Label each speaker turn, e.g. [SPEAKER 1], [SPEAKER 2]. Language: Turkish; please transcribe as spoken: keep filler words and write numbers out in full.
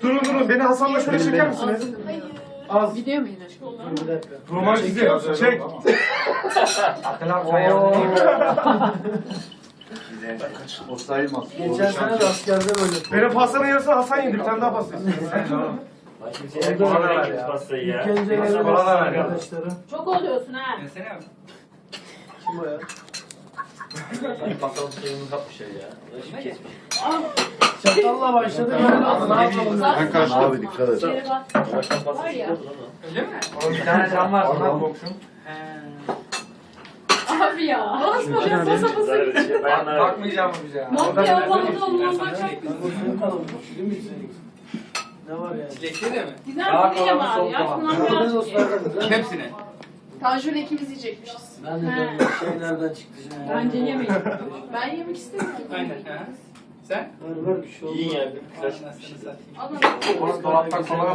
[SPEAKER 1] Durun durun beni Hasan'la şöyle çeker misiniz? Az.
[SPEAKER 2] Video mu yine?
[SPEAKER 3] Bir dakika.
[SPEAKER 1] Roman çizi. Çek.
[SPEAKER 4] O sayılmaz.
[SPEAKER 3] Geçen sene de askerde böyle.
[SPEAKER 1] Benim pastanın yarısını Hasan yedi. Bir tane daha pasta istiyorum.
[SPEAKER 3] Orada
[SPEAKER 5] Bana
[SPEAKER 3] var
[SPEAKER 5] ver
[SPEAKER 3] ya.
[SPEAKER 5] pastayı ya.
[SPEAKER 3] İlk önce
[SPEAKER 5] Pasta
[SPEAKER 3] geldi
[SPEAKER 5] bana da ver ya.
[SPEAKER 3] arkadaşları.
[SPEAKER 2] Çok oluyorsun ha.
[SPEAKER 3] Kim o ya?
[SPEAKER 5] Bakalım suyumuz yapmış ya. Şimdi kesmiş.
[SPEAKER 3] Çatalla başladı böyle oldu. Ne yapalım?
[SPEAKER 4] Ben kaçtım. Abi dikkat et.
[SPEAKER 2] Geri bak. Var ya.
[SPEAKER 1] Oğlum bir tane cam var. Ondan komşum.
[SPEAKER 2] Abi ya. Basma ben basa basa.
[SPEAKER 1] Bakmayacağım mı bize ya?
[SPEAKER 2] Mafya balığı olmak çok
[SPEAKER 3] Bu senin kalın. Değil mi senin? Ne var yani?
[SPEAKER 6] Çilekli de mi?
[SPEAKER 2] güzel bir şey var ya. Şundan
[SPEAKER 3] Patates
[SPEAKER 2] biraz
[SPEAKER 3] olsun
[SPEAKER 2] ye.
[SPEAKER 3] arkadaşlar.
[SPEAKER 6] Hepsine.
[SPEAKER 2] Tanjur'la ikimiz yiyecekmişiz.
[SPEAKER 3] Ben de
[SPEAKER 2] He.
[SPEAKER 3] böyle bir şey nereden çıktı şimdi?
[SPEAKER 2] Bence yemeyin. Ben yemek istemiyorum.
[SPEAKER 6] Aynen. Ha. Sen?
[SPEAKER 3] Ver ver bir şey olmaz.
[SPEAKER 5] İyi yani. Güzel
[SPEAKER 6] Anasını
[SPEAKER 5] çıkmış.
[SPEAKER 6] satayım.
[SPEAKER 2] Alın.
[SPEAKER 1] Dolaptan kola